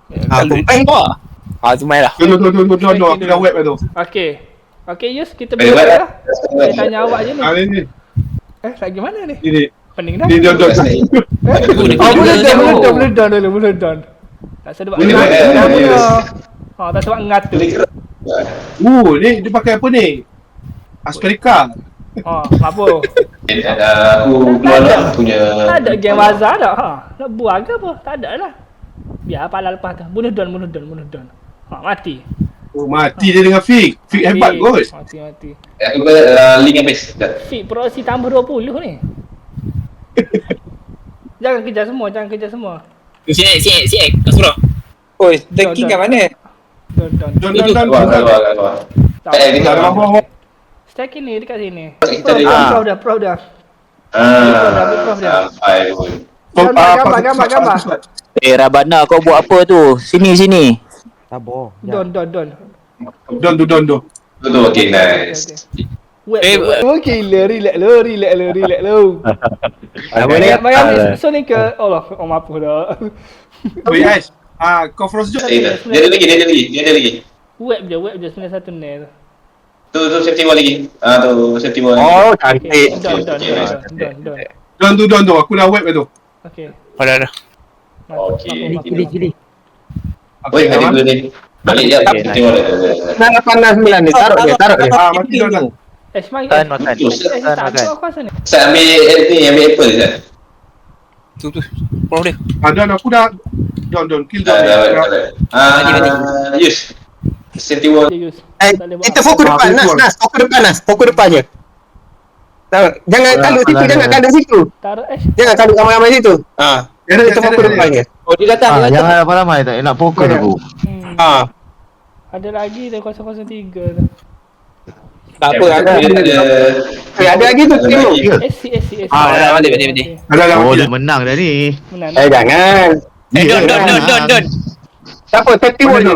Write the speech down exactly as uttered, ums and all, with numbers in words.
Ah, tumpang kau. Ah, tu main lah. Don, don, don, don, don, don. Aku dah web dah tu. Okey. Okey, Yus, kita Eh, boleh web. lah. Saya tanya awak je ni. Ah, ni, ni. Eh, lagi mana ni? Ni, ni. Pening dah. Ni, don, don. Eh? Oh, boleh down, boleh down, boleh down dulu, boleh down. Tak sebab Boleh ngat. down. Tak Boleh guna. down. Ha, tak sebab ngat tu. Uh, ni dia pakai apa ni? Asperika. Ha, apa? Eh, ada aku keluar lah punya. Tak ada game Waza dah. Ha, nak buat ke apa? Tak ada lah. Biar pala lepas tu. Bunuh down, bunuh down, bunuh down. Ha, mati. Oh, mati dia dengan Fik. Fik hebat kot. Mati, mati. Eh, aku uh, link habis. Dah. Fit proxy tambah dua puluh ni. Jangan kejar semua, jangan kejar semua. Siap, siap, siap. Kau suruh. Oi, tanking kat mana? Down, down. Don, don, don, Keluar, don. keluar, keluar. Tak. Eh, kita Bawah, bawah, bawah. Stack ini dekat sini. Kita Prof ada- dah, Ah. prof dah, prof dah. Ah, sampai pun. So, Gambar, ah, gambar, pasal- gambar, pasal- gambar. pasal- Eh Rabana kau buat apa tu? Sini sini. Sabar. Don, don, don. Don, don, don, don. Tu tu, okay, nice. Web, Eh, web. Okay, le, relax lo, relax lo, relax lo. Apa ni? Mari ambil so ni ke, Allah, oh apa dah. Oi, Ais. Ah, kau frost jom. Eh, dah. Dia ada lagi, dia ada lagi, dia ada lagi. Web je, web je, sembilan satu ni tu. Tu, tu safety wall lagi. Ah, tu safety wall. Oh, Okay, cantik. don, don, Okay, don, nice. don, don, don. Don, don, don, don. Aku dah web dah tu. Okay. Oh, dah, dah. Okay. Kili, kili. Oi, ada dulu ni. Balik je. Okay, Safety wall. Nak panas sembilan ni. Taruh dia, taruh dia. Ah, mati don dah. Eh, semai. Tan makan. Eh, Tan tak makan. aku aku rasa ni. Saya ambil eh, ni, ambil apple je. Tu, tu. Prof dia. Ah, don, aku dah. Don, don. Kill don. Dah, dah, dah, dah. Ah, Yus. Safety wall. Dia use. Eh, Tak boleh buat kita apa. fokus Ah, depan, aku Nas, keluar. Nas. Fokus depan, Nas. Fokus depan je. Tahu, jangan Alah, kalut situ, alah, jangan alah. kalut situ. Taruh eh. Jangan kalut ramai-ramai situ. Ah, Ya, dah, kita ya, fokus dah, depan ya. je. Oh, dia datang, Ah, dia datang. jangan ramai-ramai tak nak fokus aku. Hmm. Ah, Ada lagi dia kosong kosong tiga tu. tak apa, ada. Dia ada. Eh, ada lagi tu, Ada tengok. lagi. S C S C S C. Ah, dah, balik, balik, balik. Dah, dah, Oh mati dia dah. menang dah ni. Menang. Eh, jangan. Eh, don, don, don, don, don. Tak apa, safety wall je.